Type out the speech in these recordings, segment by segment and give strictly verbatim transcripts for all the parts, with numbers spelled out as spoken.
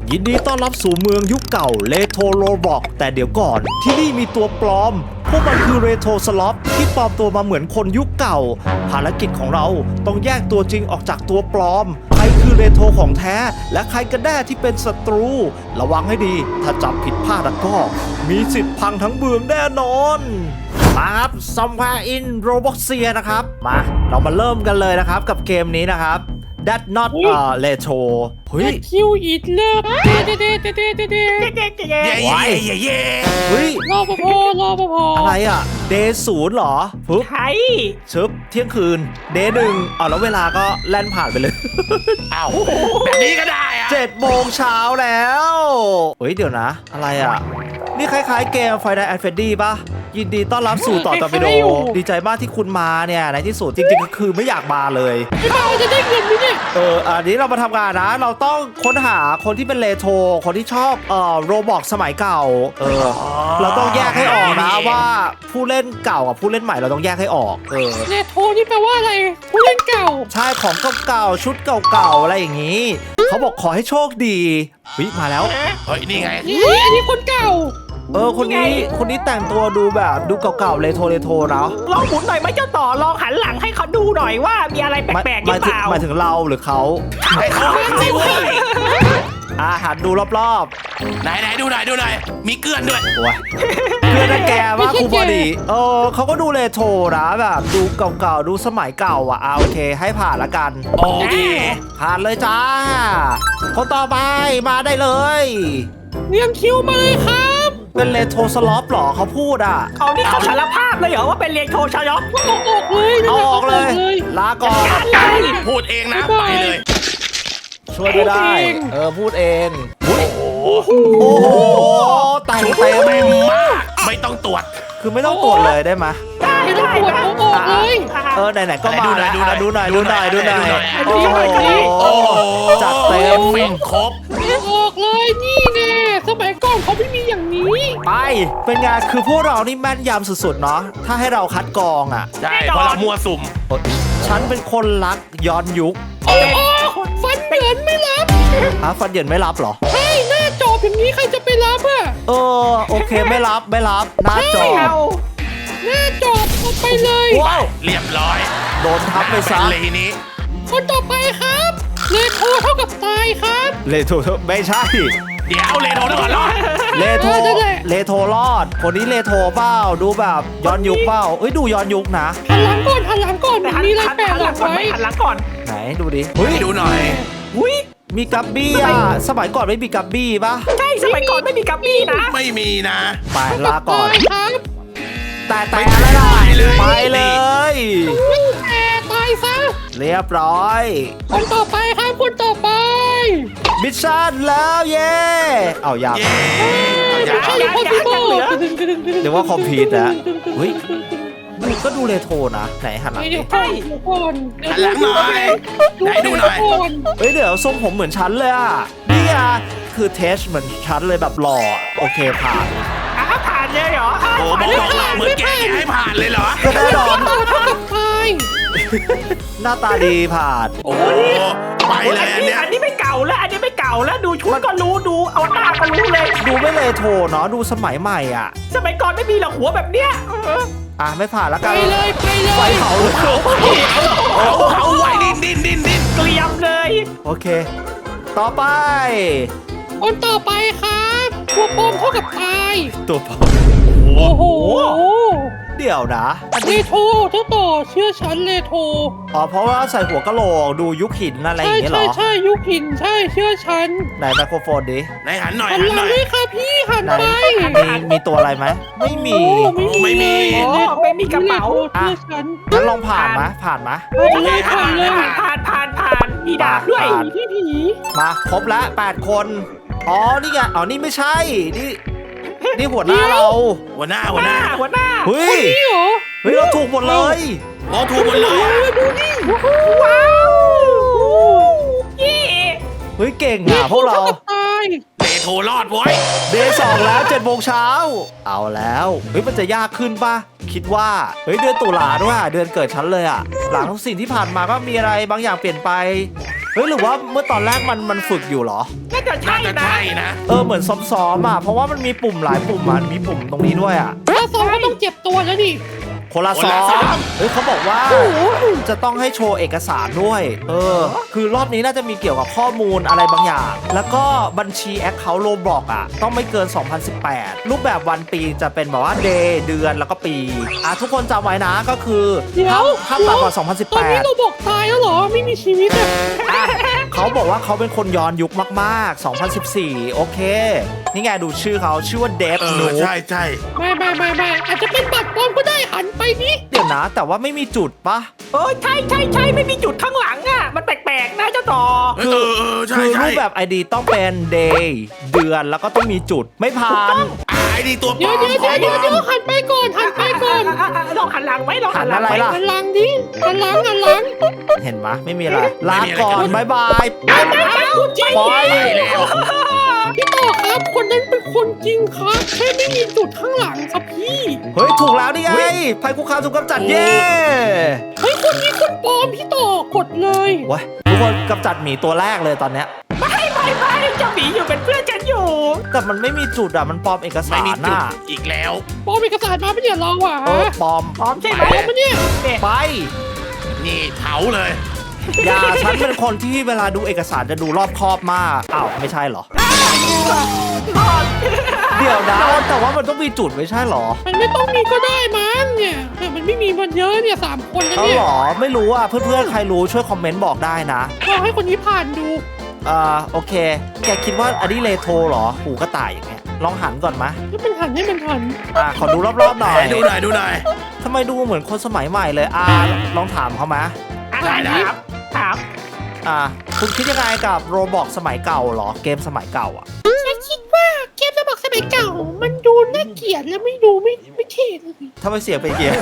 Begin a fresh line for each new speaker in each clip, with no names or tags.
ยินดีต้อนรับสู่เมืองยุคเก่าเลโทโรบอกแต่เดี๋ยวก่อนที่นี่มีตัวปลอมพวกมันคือเรโทสล็อปที่ปลอมตัวมาเหมือนคนยุคเก่าภารกิจของเราต้องแยกตัวจริงออกจากตัวปลอมใครคือเรโทของแท้และใครกันแน่ที่เป็นศัตรูระวังให้ดีถ้าจับผิดพลาดแล้วก็มีสิทธิ์พังทั้งเมืองแน่นอนมาครับซอมพาอินโรบ็อกเซียนะครับมาเรามาเริ่มกันเลยนะครับกับเกมนี้นะครับThat not เอ่อ retro เฮ้ย
คิวอีกแล้วเด้เด้เด้เด้เด้เด้เด้
เย่เย่เย่เย่
เฮ้ย
รอปภรอปภ
อะไรอ่ะ day ศูนย์เหรอปึ๊บ
ไทย
ชึบเที่ยงคืน day หนึ่งอ๋อแล้วเวลาก็แล่นผ่านไปเลย
อ้าวแบบนี้ก็ได้อะ
เจ็ดโมงเช้าแล้วเฮ้ยเดี๋ยวนะ อะไรอ่ะ นี่คล้ายๆเกม Friday at Freddy ป่ะ ยินดีต้อนรับสู่ต่อตอร์ปิโดดีใจมากที่คุณมาเนี่ยในที่สุดจริงๆก็คือไม่อยากมาเลย
ไม่มาจะได้เงินไหมเนี่ย
เอออันนี้เรามาทำงานนะ เราต้องค้นหาคนที่เป็นเรโทรคนที่ชอบเอ่อโรบอกสมัยเก่า เออ เราต้องแยกให้ออกนะว่าผู้เล่นเก่ากับผู้เล่นใหม่เราต้องแยกให้ออก เออ
เนโทนี่แปลว่าอะไรผู้เล่นเก่า
ใช่ของเก่าๆชุดเก่าๆอะไรอย่างนี้ เขาบอกขอให้โชคดีวิมาแล้ว
เฮ้ยนี่ไง
นี่อันนี้คนเก่า
เออคนนี้คนนี้แต่งตัวดูแบบดูเก่าๆเรโทรเรโทรเนาะ
ลองหมุนหน่อยไหมเจ้าต่อลองหันหลังให้เขาดูหน่อยว่ามีอะไรแปลกๆหรือเปล่า
หมายถึงเราหรือเขา
ให้เขาให้เขาเว้ย
อาหันดูรอบ
ไหนไหนดูหน่อยดูหน่อยมีเกลือนด้วย
ๆโอ้ยเพื่อนนะแกว่าครูบอดีเออเขาก็ดูเรโทรนะแบบดูเก่าๆดูสมัยเก่าอ่ะอ่ะโอเคให้ผ่านละกัน
โอเค
ผ่านเลยจ้า คนต่อไปมาได้เลย
เรียงคิวมาเลยครับ
เป็นเรโทรสล็อปหรอเขาพูดอ่ะ
เอานี่เขาสารภาพเลยเหรอว่าเป็นเรียนโทชยอก
เอาออกเลย
เอาออกเลย ลาก่อน
อะไร
พูดเองนะไปเลย
ช่วยไม่ได้ เออพูดเอง
โอ้โห
โอ้โหแต่งเต็ม
เต็มมากไม่ต้องตรวจ
คือไม่ต้องตรวจเลยได้ไหม
ได้
ไม่ต้อง
ได้
ปวด
ได้
เอาออกเลย
เออไหนๆก็มา
ดูหน่
แล้
อยว ดูหน่อย
ดูหน่อยดูหน่อยดูหน่อย
ดู
โอ้
หน่อย
โห
โอ้โห
จัดเต็ม
เป็นครบ
เอาออกเลยนี่แน่สมัยก่อนเขาไม่มีอย่างนี้
ไปเป็นไงคือพวกเรานี่แม่นยำสุดๆเนาะถ้าให้เราคัดกรองอ่ะ
ใช่เพราะเรามัวสุ่ม
ฉันเป็นคนรักย้อนยุค
เอาออกฟันเหยินไม่รับ
อ่ะฟันเหยินไม่รับเหรอ
ใช่หน้าจอบอย่างนี้ใครจะไปรับอ่ะ
เออโอเคไม่รับไม่รับหน้าจอ
ไม่เอา
หน้าจอบเอาไปเลย
ว้าว
เรียบร้อย
โดนทับไปซะ
เลยทีนี้
คนต่อไปครับเลโทเท่ากับตายครับ
เลโทไม่ใช่
เดี๋ยวเลยโทรก่อนรอด
เลโท
เออนั่นแหละ
เลโทรอด คนนี้เลโทเปล่าดูแบบย้อนยุคเปล่าเอ้ยดูย้อนยุคนะ
หันหลังก่อนหันหลังก่อน
แต่หัน
มีอะไร
หัน
แปะ
หัน
ห
ห
ลั
ลั
ง
งก่อน
ไว้
ไหมหันหลังก่อน
ไหนดูดิเฮ้ย
ให้ดูหน่อย
อุ้ย
มีกัปบี้อ่ะสมัยก่อนไม่มีกัปบี้ปะ
ใช่สมัยก่อนไม่มีกัปปี้นะ
ไม่มีนะ
ไปลาก่อน
ตายครับ
แต่แต่อะไรล่ะ
ไปเลย
ไปเลย
ไม่แต่ตายซะ
เรียบร้อย
คนต่อไปครับคนต่อไป
มิชชั่นแล้วเย้เอาอยาก
เย้อย่า
ใช่
เอา
คนที่บอก
เดี๋ยวว่าคอมพิวต์นะเฮ้ยดูก็ดูเรโทรนะไหนหันหลัง
เดี๋
ดิ
ยวก่อนเดี๋ยวก่อนเดี๋ยว
หันหลังหน่อยไหนดูหน่อย
ก่อน
เฮ้ยเดี๋ยวทรงผมเหมือนฉันเลยอ่ะนี่อ่ะคือเทสเหมือนฉันเลยแบบหล่อโอเคผ่าน
อ่ะผ่านเลยเหรออ่ะ
โอ้
ผ่าน
บ
เลย
อกเราเหมือนแกอย่าให้ผ่านเลยเหรอ
ก็แน่นอน
ตายเท่ากับตาย
หน้าตาดีผ่าน
โอ้โหไปเลย
อั
อั
น
น
นี้
เนี้ย
อันนี้ไม่เก่าแล้วอันนี้ไม่เก่าแล้วดูชุดก็รู้ดูเอาหน้าก็รู้เลย
ดูไม่เรโทรเนาะดูสมัยใหม่อ่ะ
สมัยก่อนไม่มีหรอกหัวแบบเนี้ยเออ
อ่ะไม่ผ่านแล้ว
ไป
กัน
เลยไปเล
ไฟ
ย
เผาเลย
โอ้เขาไว้ดินดินดินดิน
เกลียมเลย
โอเค ต่อไป
คนต่อไปครับตัวปลอมเท่ากับตาย
ตัวเผา
โอ้โห
เดี๋ยวนะ
เลโทเจ้าต่อเชื่อฉันเลโท
อ๋อเพราะว่าใส่หัวกะโหลกดูยุคหินอะไรอ
ใช่
ย่างเงี้ยเหร
ใช่
อ
ใช่ยุคหินใช่เชื่อฉัน
ไหนไมโครโฟนดิ
ไหนหันหน่อย
หัน
หัน
ห
ห
ลั
น่
ง
อย
ด้วยค่ะพี่หัน
ไหน
ไป
มีมีตัวอะไรไหมไม่มี
โอ้ไม่มี
โอ้ไม่มีกระเป๋า
เชื่อฉัน
งั้นลองผ่านมะผ่านมะ
ผ่านเลยผ่านเลย
ผ่านผ่านผ่านมีดาบด้วย
ผ่าน
พี่ผี
มาครบแล้วแปดคนอ๋อนี่ไงอ๋อนี่ไม่ใช่นี่นี่หัวหน้าเรา
หัวหน้า
หั
หั
ว
ว
ห
ห
น้า
น้า
หัวหน้า
เฮ้ย
นี่เหรอ
เฮ้ยเราถูกหมดเลย
โอ้ถูกหมดเลยอะ
ว้าวยี่
เฮ้ยเก่งอ่ะพวกเรา
ท่กับตาย
เดโทรรอดไว้ย
เดย์สองแล้วเจ็ดโมงเช้าเอาแล้วเฮ้ยมันจะยากขึ้นปะคิดว่าเฮ้ยเดือนตุลาด้วยอะเดือนเกิดฉันเลยอะหลังทุกสิ่งที่ผ่านมาก็มีอะไรบางอย่างเปลี่ยนไปเฮ้ยหรือว่าเมื่อตอนแรกมันมันฝึกอยู่เหรอ
น่าจะใช่
น่าจะ
นะ
ใช่นะ
เออเหมือนซ้อมๆอ่ะเพราะว่ามันมีปุ่มหลายปุ่มอ่ะมีปุ่มตรงนี้ด้วยอ่ะ
ถ้าซ้อมก็ต้องเจ็บตัวแล้วดิ
คนละซ้อมเฮ้ยเขาบอกว่าจะต้องให้โชว์เอกสารด้วยเออคือรอบนี้น่าจะมีเกี่ยวกับข้อมูลอะไรบางอย่าง แล้วก็บัญชีแอคเคาท์โรบล็อกอ่ะต้องไม่เกิน สองพันสิบแปด รูปแบบวันปีจะเป็นแบบว่าเดย์เดือนแล้วก็ปีอ่ะทุกคนจำไว้นะก็คือ
เดี๋ยว
ห้ามต่ำกว่า
ตอนนี้
สองพันสิบแปด
เราบอกตายแล้วเหรอไม่มีชีวิตอ่ะ
อ่ะเขาบอกว่าเขาเป็นคนย้อนยุคมากๆ สองพันสิบสี่ โอเค นี่ไงดูชื่อเขาชื่อว่าเดฟ
เอ
หนู
อใช่ใช่
ไม่ไม่ไม่ไม่อาจจะเป็นบัตรปลอมก็ได้หันไปนี่
เดี๋ยวนะ แต่ว่าไม่มีจุดปะ
เออใช่ใช่ใช่ไม่มีจุดข้างหลังอ่ะมันแปลกๆนะเจ้าต่อ
เออเออเออใช่
คือ
ใช่
รูปแบบ ไอ ดี ต้องเป็น day เดือนแล้วก็ต้องมีจุดไม่ผ่าน
อ่าไอ้นี่ตัวปล
เดี๋ย
อ
ว
ม
เดี๋ยว
ของ
เดี๋ยว
ปล
เดี๋ยว
อม
หันไปก่อนหันไปก่อน
อ่ะอ่ะอ่ะลองหันหลังไว้ลองหันหลัง
หันอะไร
ไว้
ล่ะ
หันหลังดิหันหลังหันหลัง
เห็นไหมไม่มีอะไรลาก่อนบายบาย
ไปไปไปคุณจริง
ปล่อย
ไปแล้ว
พี่ต่อครับคนนั้นเป็นคนจริงครับแค่ไม่มีจุดข้างหลังครับพี่
เฮ้ย ถูกแล้วนี่ไงภัยคุกคามถูกกำจัดเย้
เฮ้ยคนนี้คนปลอมพี่ต่อกดเลย
ว้ยทุกคนกำจัดหมีตัวแรกเลยตอนเนี้ย
ไม่ไม่ไม่เจ้าหมีอยู่เป็นเพื่อนฉันอยู่
แต่มันไม่มีจุดอ่ะมันปลอมเอก
ไม่
สาร
มีจุด
น่ะ
อีกแล้ว
ปลอมเอกสารมาไม่เนี่ยเราอ่ะ
เออปลอม
พร้อมใช่ไหม
ปลอมมาเนี่ย
ไป
นี่เผาเลย
อย่าฉันเป็นคนที่เวลาดูเอกสารจะดูรอบคอบมากอ้าวไม่ใช่เหรอ
รอด
เดี๋ยวนะแต่ว่ามันต้องมีจุดไม่ใช่เหรอ
มันไม่ต้องมีก็ได้มั้งเนี่ยแต่มันไม่มีมันเยอะเนี่ยสามคนแล้ว
เอา
เนี่ย
เหรอไม่รู้อ่ะเพื่อนๆใครรู้ช่วยคอมเมนต์บอกได้นะ
ลองให้คนนี้ผ่านดู
อ่าโอเค แกคิดว่าอันนี้เรโทรเหรอหูกระต่ายอย่างเงี้ยลองหันก่อนมะ
ให้มันหันให้มันหัน
อ่าขอดูรอบๆหน่อย
ไหนดูหน่อยดูหน่อย
ทำไมดูเหมือนคนสมัยใหม่เลยอ่าลองถามเขามะ
อ่ะ
ได้ได้
ถามถาม
อ่าคุณคิดยังไงกับโรบอกสมัยเก่าเหรอเกมสมัยเก่าอ่ะ
ฉันคิดว่าเกมระบบสมัยเก่า มันดูน่าเกลียดและไม่ดูไม่ไม่เท่เลย
ทำไมเสียงเป็นเกียร์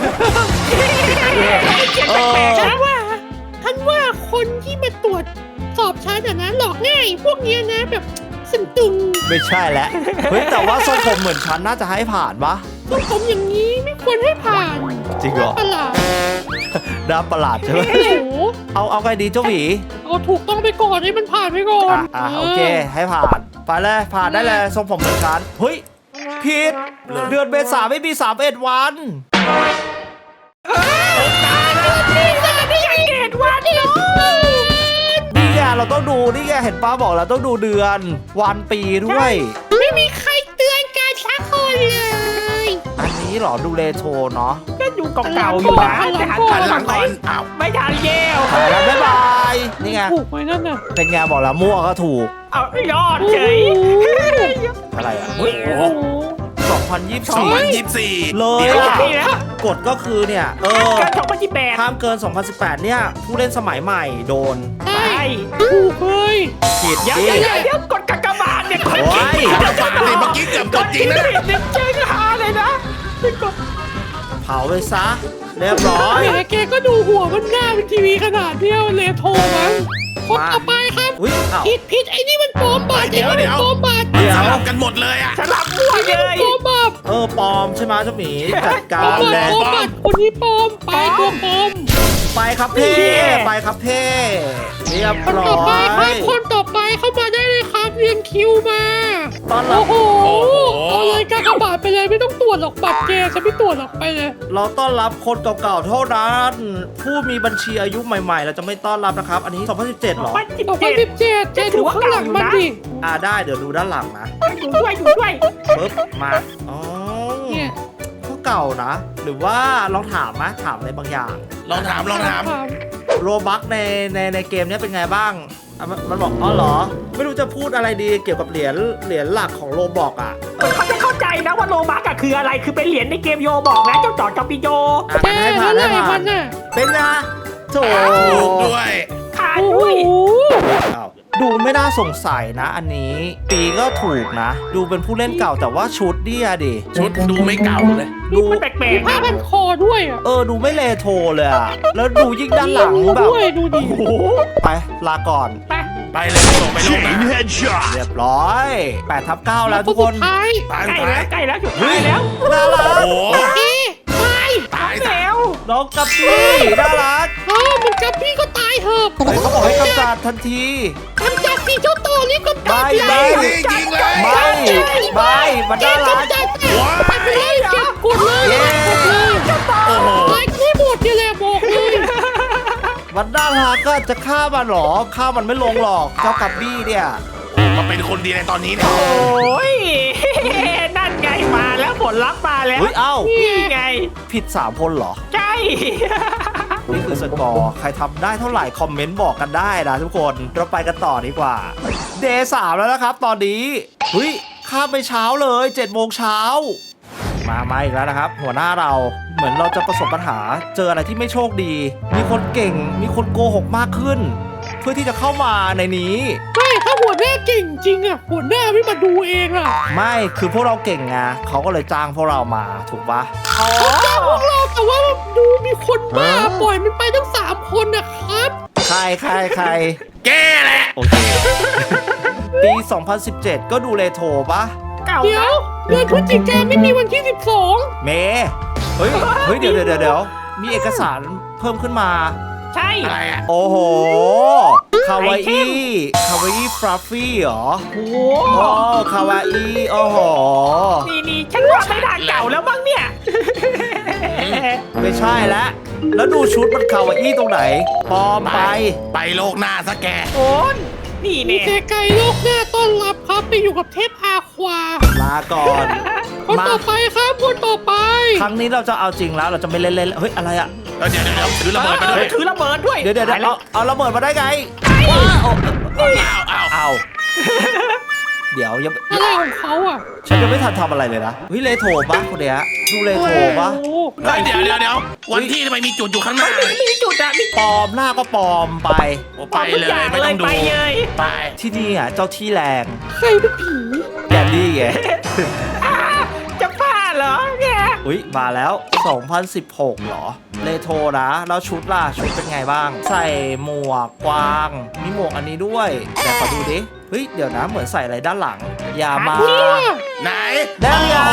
เออ
ฉันว่าฉันว่าคนที่มาตรวจสอบฉันอะนะหลอกง่ายพวกเนี้ยนะแบบสึงตึง
ไม่ใช่แล้วเฮ้ยแต่ว่าทรงผมเหมือนฉันน่าจะให้ผ่านปะ
ตัวผมอย่างนี้ไม่ควรให้ผ่าน
จริงเหรอ
ประหลาด
น่าประหลาดใช่ไหม
โอ้โห
เอาเอาไงดีเจ้าหวี
เอาถูกต้องไปก่อนให้มันผ่านไปก่อน
อ่ะอ่ะโอเคให้ผ่านไปเลยผ่านได้เลยทรงผมเหมือนฉันเฮ้ยผิดเดือนเมษาไม่มีสามเอ็ดวัน
นี่จะไม่ใช่เกตวันเดียว
นี่ไงเราต้องดูนี่ไงเห็นป้าบอกเราต้องดูเดือนวันปีด้วย
ไม่มีใครเตือนการชักคนเลย
อันนี้เหรอดูเรโทรเนาะ
ก็อยู่เก่าๆอยู่นะแต่หัน
หันห
ห
ลั
ลั
ง
ง
ก่
ไป
อนอ้าว
ไม่ทันเย้ว
ไปแล้วบ๊ายบายนี่ไง
ถูกไหมนั่นน่ะ
เป็นไงบอกแล้วมั่วก็ถูก
เอายอดเฉย
อะไรอ่ะ
โอ้โห
สองพันยี่สิบ
สอง
สี่
พันยี่สิบสี่
เลย
เดี๋ยว
อะ
นี่นะ
กฎก็คือเนี่ยเออ
การสองพันยี่สิบแปด
ห้ามเกิน สองพันสิบแปด เนี่ย ผู้เล่นสมัยใหม่โดน
ใช่
ใช่
ถูกเลย
ผิด
เดี๋ยว
ดิ
เดี๋ยวเดี๋ยวกดกากบาทเนี่ยกด
โอ้ย
กระบาดเลยเมื่อกี้เกือบกดจริงนะ
เนี่ยเจ๊งหาเลยนะกด
เผาไปซะ เรียบร้อย
แหมแกก็ดูหัวมันหน้าเป็นทีวีขนาดเนี้ยมันเลยโทรมั้งคนต่อไปครับ
อุ้ยอ้าว
ผิดผิดไอ้นี่มันปลอมบัตร
เดี๋ยว
ไอ้นี่มันปลอมบัตร
เดี๋ยว
สลับกันหมดเลยอ่ะ
สลับมั่วเลย
ปลอมบัตร
เออปลอมใช่ไหมเจ้าหมีจัด
ปล
กา
อม
ร
บัต
เล
ร
ย
ปลอมบัตรคนนี้ปลอมไปตัวปลอม
ไปครับเพ่ไปครับเพ่เรียบ
คน
ร้
ต่อ
อ
ไปครับ
ย
คนต่อไปเข้ามาได้เลยครับเรียงคิวมา
ตอนรับ
โอ้โหเอาเลยกากบาทไปเลยไม่ต้องตรวจหรอกบัตรแกฉันไม่ตรวจหรอกไปเลย
เราต้อนรับคนเก่าๆเท่านั้น ผู้มีบัญชีอายุใหม่ๆ เราจะไม่ต้อนรับนะครับ อันนี้ สองพันสิบเจ็ดเหรอ
พันสิบ
สองพั
เจ็
น
ด
สิบเจ็ดแกดูข้างหลังมันดิ
อ่าได้เดี๋ยวดูด้านหลังนะ
อยู่ด้วยอยู่ด้วย
ปึ๊บมาอ๋อ
เนี่ย
ก็เก่านะ หรือว่าลองถามมะถามอะไรบางอย่าง
ลองถามลองถาม
โรบัคในในในเกมเนี้ยเป็นไงบ้างอ่ะมันมันบอกอ๋อเหรอ ไม่รู้จะพูดอะไรดีเกี่ยวกับเหรียญเหรียญหลักของโรบอกอ่ะเออ
เขาจะเข้าใจนะว่าโลบักอะคืออะไรคือเป็นเหรียญในเกมโยบอกนะเจ้าจอดจอมปิโย
อ่ะ
แก
งั้นให้ผ่า
เท่าน ไหร่
ให้ผ่า
มัน นน่ะ
เป็นไงโถ
ถูกด้วย
ขาด
โอ้โห
ด้วย
อ้าวดูไม่น่าสงสัยนะ อันนี้ ปีก็ถูกนะ ดูเป็นผู้เล่นเก่าแต่ว่าชุดเนี่ยดิ
ชุดดูไม่เก่าเลย
ดู
มันแปล
มี
กๆ
ผ้า
นะ
พันคอด้วยอ่ะ
เออดูไม่เลโทรเลยอะแล้วดูยิ่งด้านหลัง
มีรู
แบบ
ด้วยดูดิ
โอ้โหไปลาก่อน
ไป
ไปเลยส่งไปลงนะ
เรียบร้อยแปดทับเก้าแล้วทุกคน
สุดท้าย
ตาย
ใกล้
ตา
แล้
ยว
ใกล้แล้วจุดท้ายแล้ว
น่ารัก
โอ้
เอ๊ะตาย
ตาย
แล้
แล้ว
ว
น้องกับพี่น่ารัก
เออมันกับพี่ก็ตายเถอะ
เฮ้ยเขาบอกให้กำจัดทันที
กำจัดสีเจ้าต่อนี่กำจัด
ไม่
เลย
ยิงเลย
ไม่ไม่มันน่ารัก
กำจัดไปเลยเก็บกดเลย
เย้
กดเลย
โอ้โห
ตายที่หมดนี่แหละบอกเลย
มันน่ารักก็จะฆ่ามันเหรอฆ่ามันไม่ลงหรอกเจ้ากับบี้เนี่ย
มาเป็นคนดีในตอนนี้เนี่ย
โอ้ยนั่นไงมาแล้วผลลัพธ์มาแล้ว
เฮ้ยเอ้า
นี่ไง
ผิดสามคนเหรอ
ใช่
นี่คือสกอร์ใครทำได้เท่าไหร่คอมเมนต์บอกกันได้นะทุกคนเราไปกันต่อดีกว่าเดย์สามแล้วนะครับตอนนี้เฮ้ยข้ามไปเช้าเลยเจ็ดโมงเช้ามามาอีกแล้วนะครับ หัวหน้าเราเหมือนเราจะประสบปัญหาเจออะไรที่ไม่โชคดี มีคนเก่งมีคนโกหกมากขึ้น เพื่อที่จะเข้ามาในนี้
ใช่ถ้าหัวหน้าเก่งจริงอ่ะหัวหน้าไม่มาดูเองอ่ะ
ไม่คือพวกเราเก่งไงเขาก็เลยจ้างพวกเรามาถูกปะ
อ๋อ
เจ้าพวกเราแต่ว่าดูมีคนบ้าปล่อยมันไปทั้งสามคนนะครับ
ใครใครใคร
แกแหละ
โอเค ปี สองพันสิบเจ็ด ก็ดูเรโทรปะ
เก่า
เดี๋ยวเดือนพฤศจิกายนไม่มีวันที่สิบสอง
เมเฮ้ย เฮ้ย เดี๋ยวเดี๋ยวเดี๋ยวเดี๋ยวมีเอกสารเพิ่มขึ้นมา
ใช่
อะไรอ่ะ
โอ้โห คาวา
ไอเท
อี้
ม
คาวาอี้ฟรัฟฟี่เหรอ
โอ้โห
โอ้คาวาอี้โอ้โห
นี่นี่ฉันว่าไม่ทางเก่าแล้วมั้งเนี่ย
ไม่ใช่แล้ว แล้วดูชุดมันคาวาอี้ตรงไหนปลอมไป
ไปโลกหน้าซะแก
โอนนี่
มี
เนี่ย
แต่ไก่โลกหน้าต้อนรับครับไปอยู่กับเทพอาควา
ลาก่อน
คน
มา
ต่อไปครับคนต่อไป
ครั้งนี้เราจะเอาจริงแล้ว เราจะไม่เล่นเล่นเฮ้ย อะไรอะ
เดี๋ยวเดี๋ยวเดี๋ยวถือระเบิดไปด้วย
ถือระเบิดด้วย
เดี๋ยวเดี๋ยวเดี๋ยว
ตาแล้
เอาเอาระเบิดมาได้ไง
อ้าวอ้าว
เอาเดี๋ยวยัง
อะไรของเขาอ่ะ
ฉันยังไม่ทันทำอะไรเลยนะวิเลโทรปะคนเนี้ยดูเลโทรปะ
โอ้โห
เฮ้ยเดี๋ยวเดี๋ยวเดี๋ยววันที่ทำไมมีจุดอยู่ข้างหน้า
มีจุดอะมี
ปลอมหน้าก็ปลอมไป
โอ้ไปเลยไม่ต้องดู
ไปเลย
ไป
ที่นี่อ่ะเจ้าที่แรง
ใครเป็นผี
แกนดี้ไง
อ่าจะพลาดเหรอแก
อุ้ยมาแล้ว สองพันสิบหกเหรอเลโทรนะแล้วชุดล่ะชุดเป็นไงบ้าง ใส่หมวกกวาง มีหมวกอันนี้ด้วยแต่ขอดูดิเฮ้ยเดี๋ยวนะเหมือนใส่อะไรด้านหลัง อย่ามา
ไหน
ได้ไง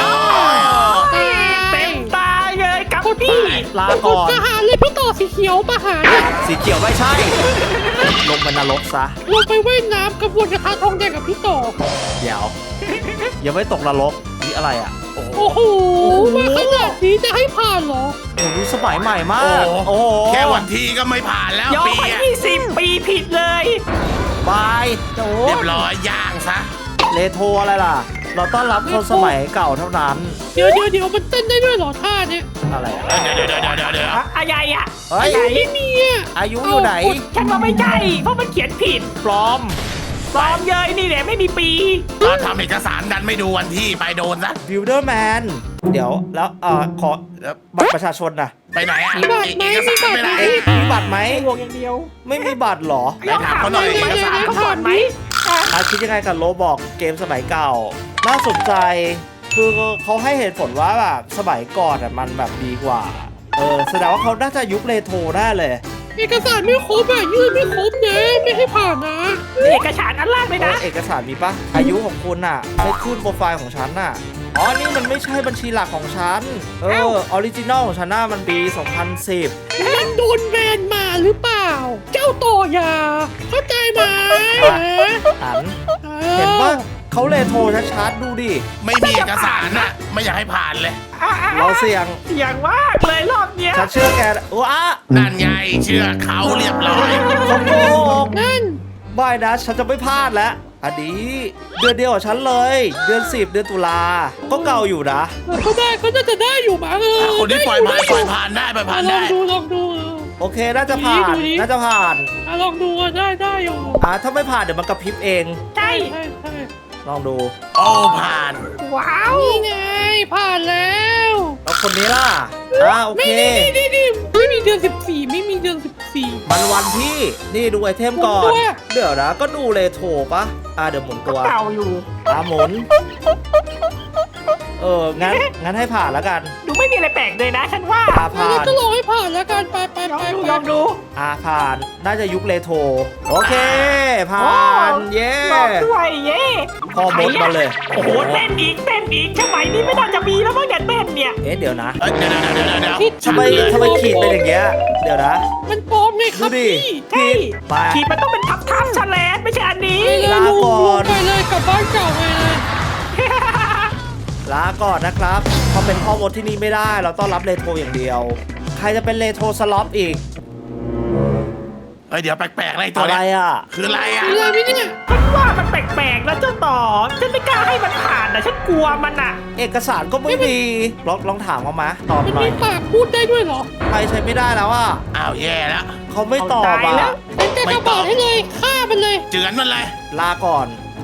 เต็มตาเลยกับพี่
ลาก่อน
ประหารเลยพี่ต่อสีเขียวประหารเนี่ย
สีเขียวไม่ใช่ ลงไปนรกซะ
ลงไปว่ายน้ำกระบวนกระทะทองแดงกับพี่ต่อ
เดี๋ยว ยังไม่ตกนรกนี่อะไรอ่ะ โอ้โห
โอ้โหมาขนาดนี้จะให้ผ่านเหรอ
โอ้โหสมัยใหม่มา
โอ้
ก
โห
โอ้โห
แค่วันที่ก็ไม่ผ่านแล้ว
ย้อน
ปี
ไป
อะ
ยี่สิบปีผิดเลย
บายโอ้
เรียบร้อยย่างซะ
เลโทรอะไรล่ะ เราต้อนรับคนสมัยเก่าเท่านั้น
เดี๋ยวเดี๋ยวเดี๋ยวมันเต้นได้ด้วยเหรอท่าเนี่ย
อะไรอะ
เดี๋ยวเดี๋ยวเดี๋ยวเดี๋ยวเดี๋ยว
อะอะไรอะ
เฮ้ย
อะไร
ไม่มีอ่ะ
อายุอยู่ไหน
ฉันว่าไม่ใช่ เพราะมันเขียนผิด
ปลอม
ปลอมเยยนี่แหละไม่มีปี
ตอนทำเอกสารดันไม่ดูวันที่ไปโดนซะ
Builder Man เดี๋ยวแล้วเอ่อขอบัตรประชาชนนะ
ไปไหนอ่ะ
มีบัตรไหม
เอกสารไปไหน
มี
เอ๊ะมีบัตรไหม
ไอ้วงอย่างเดียว
ไม่มีบัตรเหรอ
ไปถามเขาหน่อย
เอกสารเขาก่อนไหมอ่ะ
อาคิดยังไงกับโลบอกเกมสมัยเก่า น่าสนใจ คือเขาให้เหตุผลว่าแบบสมัยก่อนอ่ะมันแบบดีกว่า เออแสดงว่าเขาน่าจะยุคเรโทรได้เลย
เอกสารไม่ครบอ่ะยื่นไม่ครบนะไม่ให้ผ่านนะ
เอกสารอันล่างเลยนะ
เออเอกสารมีปะอายุของคุณน่ะไม่ขึ้นโปรไฟล์ของฉันน่ะ อ๋อ นี่มันไม่ใช่บัญชีหลักของฉัน เออ ออริจินอลของฉันน่ะมันปี สองพันสิบ
มันโดนแบนมาหรือเปล่า เจ้าต่อยา เข้าใจไหม
อัน เห็นปะเขาเลโทรชัดๆดูดิ
ไม่มีเอกสารน่ะไม่อยากให้ผ่านเลย
อ่ะอ่ะ
เราเสี่ยง
เสียงมากเลยรอบเนี้ย
ฉันเชื่อแกว้า
นั่นไงเชื่อเขาเรียบร้อย
เขาโกหก
นั่น
ไม่นะ ฉันจะไม่พลาดแล้ว อันนี้เดือนเดียวกับฉันเลย เดือนสิบเดือนตุลา ก็เก่าอยู่นะ
ก็ได้ก็น่าจะได้อยู่มั้งเออ
คนที่ปล่อยผ่านปล่อยผ่านได้ปล่อยผ่าน
ลอ
ได้
งดูลองดู
โอเค น่าจะผ่าน
ดูดิ
น่าจะผ่าน
อ่ะลองดูอ่ะได้ได้อยู่
อ่าถ้าไม่ผ่านเดี๋ยวมันกระพริบเอง
ใช่
ใช่ใช่
ลองดู
โอ้ผ่าน
ว้าว
นี่ไงผ่านแล้ว
แล้วคนนี้ล่ะ อ่าโอ
ไม่
เค
นี่นี่นี่ไม่มีเดือนสิบสี่ไม่มีเดือนสิบสี่
มันวันที่ นี่ดูไอเทมก่อ
หมุ
น
นด้วย
เดี๋ยวนะ ก็ดูเลโทรปะอ่าเดี๋ยวหมุนตัว
เก่าอยู่
อ่าหมุน เออ งั้น งั้นให้ผ่านแล้วกัน
ดูไม่ไม่มีอะไรแปลกเลยนะ ฉันว่า
อ่าผ่า
งั้น
น
ก็ลองให้ผ่านแล้วกันไปไป
ลอง
ไป
ดู
ไป
ลองดู
อ่าผ่านน่าจะยุคเรโทรโอเคผ่าน เย้
ลองด้วยเย่
พ่อมดมาเลย
โอ้โหเต้นอีกเต้นอีกสมัยนี้ไม่น่าจะมีแล้วมั้งเนี่ยเต้นเนี่ย
เอ๊ะเดี๋ยวนะ
เอ้ยเดี๋ยวเดี๋ยวเดี๋ยวเดี๋ยว
ทำไมทำไมขีดเป็นอย่างเงี้ยเดี๋ยวนะ
มันปลอมไงค
ดู
รับ
ดิ
พี่
ใช่
ไป
ขีดมันต้องเป็นทับทับๆแฉลนไม่ใช่อันนี้
ไปเลย
ลา
ลุง
ก่อน
ลุงไปเลยกลับบ้านเก่าไปเลย
ลาก่อนนะครับเพราะเป็นพ่อมดที่นี่ไม่ได้เราต้องรับเรโทรอย่างเดียว ใครจะเป็นเรโทรสล็อตอีก
เอ้ยเดี๋ยวแปลกๆอะไรตัว
อะไร
เนี้ย
อ่ะ
คืออะไรอ่ะ
มีอะไรไหมเนี่ย
ฉันว่ามันแปลกๆนะเจ้าต่อ ฉันไม่กล้าให้มันผ่านนะฉันกลัวมันอ่ะ
เอกสารก็ไม่มีลองลองถามเขามาตอบ
มัน
หน่อ
มี
ย
ปากพูดได้ด้วยเหรอ
ใครใช้ไม่ได้แล้วอ่ะ
อ้าวแย่แล้ว
เขาไม่ตอบ
เอาตายแล้
อ่ะ
ว
เป็นกระ
ไม่
กระ
ต
บ
อ
อบ ดให้เลยฆ่ามันเลย
เจือนมันเลย
ลาก่อน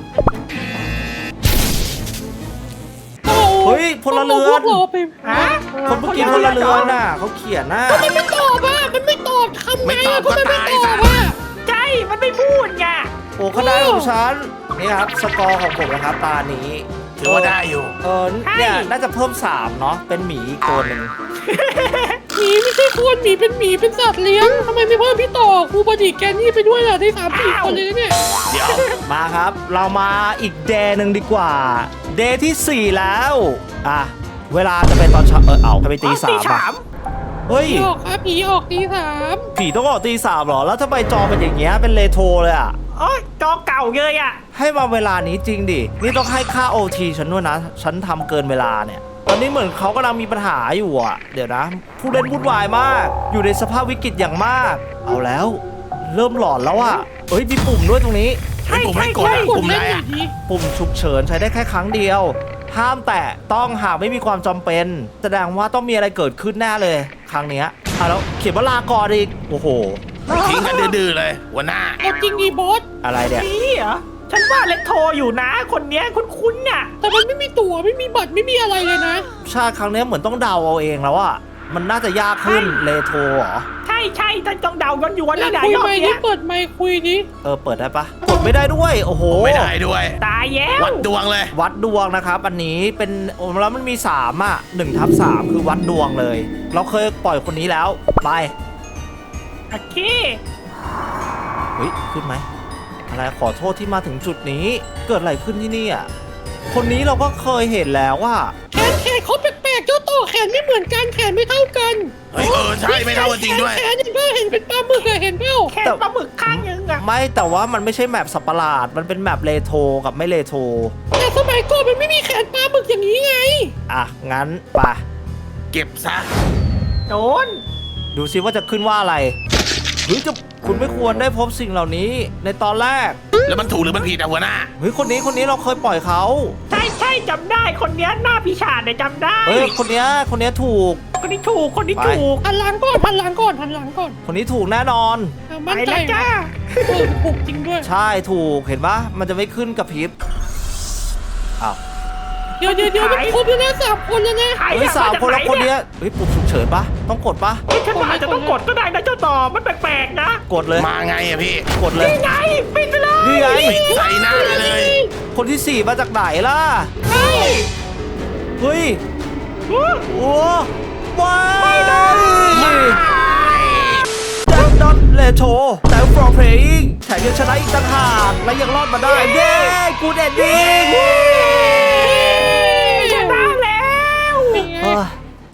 โอ้โห
เฮ้ยพลเรือน
พวกเราไป
ฮะ
คนเมื่อกี้พลเรือนน่ะเขาเขียนน่ะ
มันไม่ตอบอ่ะมันไม่ตอบทำไง
ไม่ตอ
อ่ะ
บ
ก็มันไม่
ก็
ต
ตาย
อบ
ซะ
อ่ะ
ใช่มันไม่พูดไง
โอ้คะแนนของฉันนี่ครับสกอร์ของผมนะครับตานี้
ถือว่าได้อยู่
เออเนี่ยน่าจะเพิ่มสามเนาะเป็นหมีอีกตัวหนึ่ง
หมีไม่ใช่คนหมีเป็นหมีเป็นสัตว์เลี้ยงทำไมไม่เพิ่มพี่ต่อครูบดีแกนี่ไปด้วยล่ะได้สามสี่คนเลยนะเนี่ย
เดี๋ยว
มาครับ เรามาอีกเดย์หนึ่งดีกว่า เดย์ที่สี่แล้วอ่ะเวลาจะเป็นตอนเช้าเออเอาทำไมตีสาม
ตี
อ่ะ
สาม
เฮ้ย
ผีออกครับผีออกตีสาม
ผีต้องออกตีสามเหรอแล้วทำไมจอเป็นอย่างเงี้ยเป็นเรโทรเลยอ่ะ
โอ้ยจอเก่าเลยอ่ะ
ให้มาเวลานี้จริงดิ นี่ต้องให้ค่า โอ ที ฉันด้วยนะ ฉันทำเกินเวลาเนี่ย ตอนนี้เหมือนเขากำลังมีปัญหาอยู่อ่ะ เดี๋ยวนะ ผู้เล่นวุ่นวายมาก อยู่ในสภาพวิกฤตอย่างมาก เอาแล้ว เริ่มหลอนแล้วอ่ะเอ้ย มีปุ่มด้วยตรงนี้
ใช่
ไอ้ปุ่ม
ใช่
ให้กด
ใช่
อะ
กด
ปุ่ม
เล่
อะ
น
ไร
หน่อ
อ่ะ
ยดิ
ปุ่มฉุกเฉินใช้ได้แค่ครั้งเดียว ห้ามแตะต้องหากไม่มีความจำเป็น แสดงว่าต้องมีอะไรเกิดขึ้นแน่เลย ครั้งเนี้ยอ่ะแล้วเขียนว่าลาก่อนอีก โอ้โห
ทิ้งกันดื้อๆเลยหัวหน้า
เอาจริงดีบอส
อะไรเนี่ย
นี่เหรอ ฉันว่าเล็กโทรอยู่นะ คนเนี้ยคุ้นๆน่ะ
แต่มันไม่มีตั๋วไม่มีบัตรไม่มีอะไรเลยนะ
ชาติครั้งเนี้ยเหมือนต้องเดาเอาเองแล้วอ่ะ มันน่าจะยากขึ้นเลโทรเหรอ
ใช่ใช่ท่านต้องเดาย้อนยวน
แล้
แล้ว วนะ
คุย
รอบ
ไมค์
เนี้
ที่
ย
เปิดไมค์คุยดิ
เออเปิดได้ปะกดไม่ได้ด้วย โอ้โห
ไม่ได้ด้วย
ตายแล้ว
วัดดวงเลย
วัดดวงนะครับ อันนี้เป็นโอ้แล้วมันมีสามอ่ะหนึ่งทับสามคือวัดดวงเลย เราเคยปล่อยคนนี้แล้วไป
โอเค
เฮ้ยขึ้นไหมอะไรขอโทษที่มาถึงจุดนี้ เกิดอะไรขึ้นที่นี่อ่ะคนนี้เราก็เคยเห็นแล้วว่า
แขนแขนเขาแปลกๆเจ้าต่อแขนไม่เหมือนกันแขนไม่เท่ากัน
เฮ้ยเออใช่ไม่เท่ากันจริงด้วย
แขนเห็นเปล่าเห็นเป็นปลาหมึกอะเห็นเปล่า
แค่ปลาหมึกข้างนึงอะ
ไม่แต่ว่ามันไม่ใช่แมปสัตว์ประหลาด มันเป็นแมปเลโทรกับไม่เลโทร
แต่สมัยก่อนมันไม่มีแขนปลาหมึกอย่างนี้ไง
อ่ะงั้นไป
เก็บซะ
โดน
ดูซิว่าจะขึ้นว่าอะไรเฮ้ยจะคุณไม่ควรได้พบสิ่งเหล่านี้ในตอนแรก
แล้วมันถูกหรือมันผิดอะหัวหน้า
เฮ้ยคนนี้คนนี้เราเคยปล่อยเขา
ใช่ใช่จำได้คนเนี้ยหน้าพิชาเนี่ยจำได้
เฮ้ยคนเนี้ยคนเนี้ยถูก
คนนี้ถูกคนนี้
ไป
ถูก
หันหลังก่อนหันหลังก่อนหันหลังก่อน
คนนี้ถูกแน่นอน
เอา
ไป
มั่นใจ
แล้วจ้า
เออถูกจริงด้วย
ใช่ถูกเห็นปะมันจะไม่ขึ้นกับพริบอ้าว
เดี๋ยวเดี๋ยวเดี๋ยวมันครบแล้วนะสามคนแล้วนะ
ใคร
เฮ้ย
อะ
สามคนแล้ว
จก
คน
ไห
เนี้ยเฮ้ยปุ่มฉุกเฉินปะต้องกดปะ
เฮ้ยฉันว่าอาจจะต้องกดก็ได้นะเจ้าต่อมันแปลกๆนะ
กดเลย
มาไงอะพี่
กดเลย
นี่ไงปิดไปเลย
นี่ไง
ปิดใส่หน้าเลย
คนที่สี่มาจากไหนล่ะ
ใช่
เฮ้ย
อุ๊ย
โอ้ว้า
ไม่ได้
ดันดอทเลโชแต่ for playing แถมยังชนะอีกต่างหากและยังรอดมาได้ เย้กูเด็ดดิ้ง